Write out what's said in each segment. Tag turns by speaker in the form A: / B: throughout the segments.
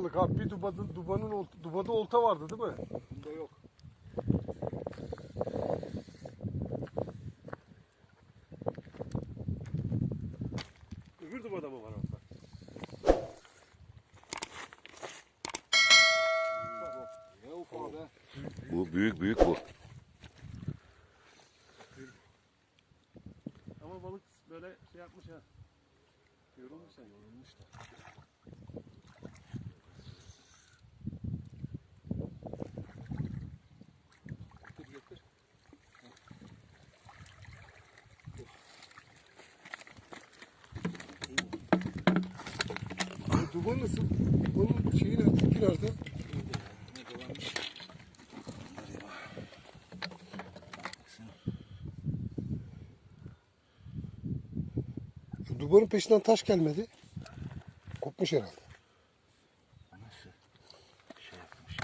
A: balık abi. Bir dubada olta vardı değil mi?
B: Bunda yok.
A: Öbür dubada mı var orada?
B: Ne ufağı be?
C: Bu büyük bu.
A: Ama balık böyle şey yapmış ha. Yorulmuş sen.
B: Yorulmuş da. Getir getir.
A: Duba nasıl? Dubanın şeyi nerede? İpi nerede?
B: Ne dolanmış?
A: Şu dubanın peşinden taş gelmedi. Kopmuş herhalde.
B: Nasıl? Şey yapmış.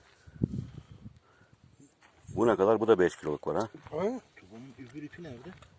C: Bu ne kadar? Bu da 5 kiloluk var ha.
A: Ha?
B: Tubanın öbür ipi nerede?